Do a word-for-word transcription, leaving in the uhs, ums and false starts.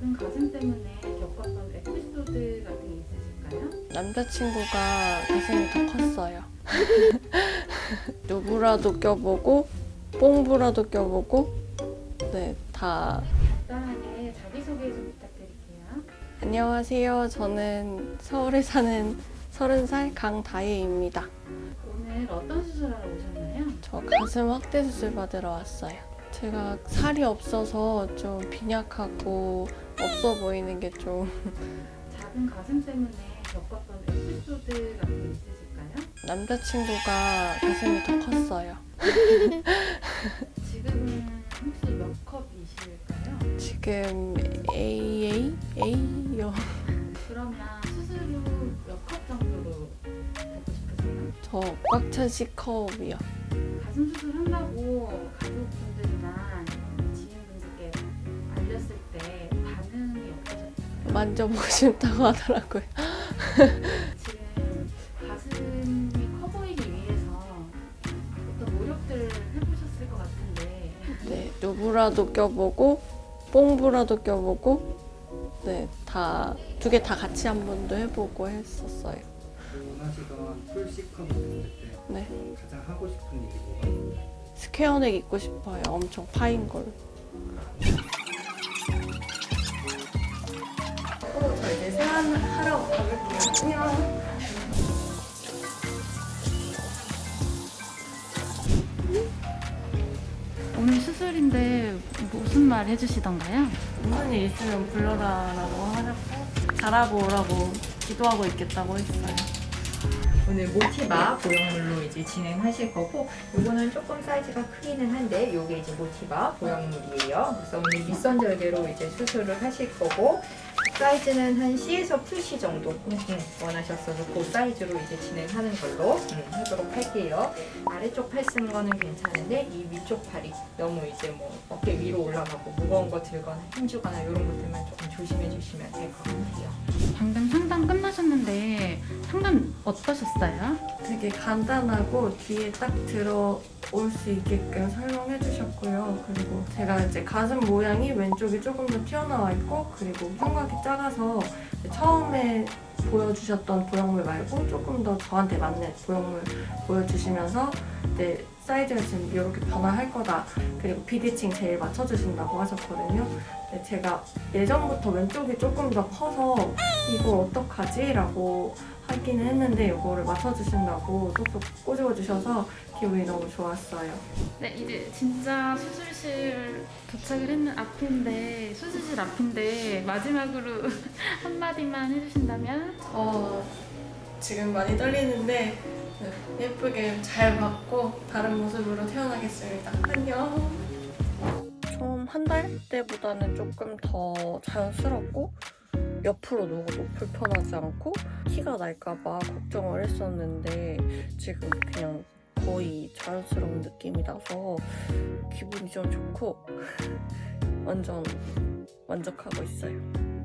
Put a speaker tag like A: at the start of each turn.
A: 작은 가슴 때문에 겪었던 에피소드 같은 게 있으실까요?
B: 남자친구가 가슴이 더 컸어요. 누브라도 껴보고 뽕브라도 껴보고 네, 다.
A: 간단하게 자기소개 좀 부탁드릴게요.
B: 안녕하세요. 저는 서울에 사는 서른 살 강다혜입니다.
A: 오늘 어떤 수술하러 오셨나요?
B: 저 가슴 확대 수술 받으러 왔어요. 제가 살이 없어서 좀 빈약하고 없어 보이는 게 좀.
A: 작은 가슴 때문에 겪었던 에피소드 같은 게 있으실까요?
B: 남자친구가 가슴이 더 컸어요.
A: 지금은 혹시 몇 컵이실까요?
B: 지금 에이에이? A요.
A: 그러면 수술 후 몇 컵 정도로 되고 싶으세요?
B: 저 꽉 찬 C컵이요.
A: 가슴 수술 한다고 가족분들이나 지인분들께 알렸을 때 반응이 어떠셨나요?
B: 만져보고 싶다고 하더라고요.
A: 지금 가슴이 커 보이기 위해서 어떤 노력들을 해보셨을 것 같은데
B: 네, 누브라도 껴보고 뽕브라도 껴보고 네, 다 두 개 다 같이 한 번도 해보고 했었어요.
C: 원하시던 풀 C컵이 됐을 때
B: 네,
C: 가장 하고 싶은 일이 뭐가 있나요?
B: 스퀘어넥 입고 싶어요. 엄청 파인 걸.
D: 어, 저 이제 세안하러 가볼게요. 안녕.
A: 오늘 수술인데 무슨 말 해주시던가요?
B: 무슨 일 있으면 불러라라고 하셨고 잘하고 오라고 기도하고 있겠다고 했어요.
D: 오늘 모티바 보형물로 이제 진행하실 거고, 요거는 조금 사이즈가 크기는 한데 요게 이제 모티바 보형물이에요. 그래서 오늘 밑선 절개로 이제 수술을 하실 거고, 사이즈는 한 C에서 풀 C 정도 음, 음, 원하셨어서 그 사이즈로 이제 진행하는 걸로 음, 하도록 할게요. 아래쪽 팔 쓰는 거는 괜찮은데 이 위쪽 팔이 너무 이제 뭐 어깨 위로 올라가고 무거운 거 들거나 힘주거나 이런 것들만 조금 조심해 주시면 될 것 같아요.
A: 방금 상담 끝나셨는데 상담 어떠셨어요?
B: 되게 간단하고 귀에 딱 들어올 수 있게끔 설명해 주셨고요. 그리고 제가 이제 가슴 모양이 왼쪽이 조금 더 튀어나와 있고, 그리고 흉곽이 작아서 처음에 보여주셨던 보형물 말고 조금 더 저한테 맞는 보형물 보여주시면서 네, 사이즈가 지금 이렇게 변화할 거다. 그리고 비대칭 제일 맞춰주신다고 하셨거든요. 네, 제가 예전부터 왼쪽이 조금 더 커서 이걸 어떡하지? 라고 하기는 했는데 이거를 맞춰주신다고 쏙쏙 꼬집어주셔서 기분이 너무 좋았어요.
A: 네, 이제 진짜 수술실 도착을 했는 앞인데 수술실 앞인데 마지막으로 한마디만 해주신다면?
B: 어, 지금 많이 떨리는데 예쁘게 잘 받고 다른 모습으로 태어나겠습니다. 안녕. 처음 한 달 때보다는 조금 더 자연스럽고 옆으로 누워도 불편하지 않고 티가 날까봐 걱정을 했었는데 지금 그냥 거의 자연스러운 느낌이 나서 기분이 좀 좋고 완전 만족하고 있어요.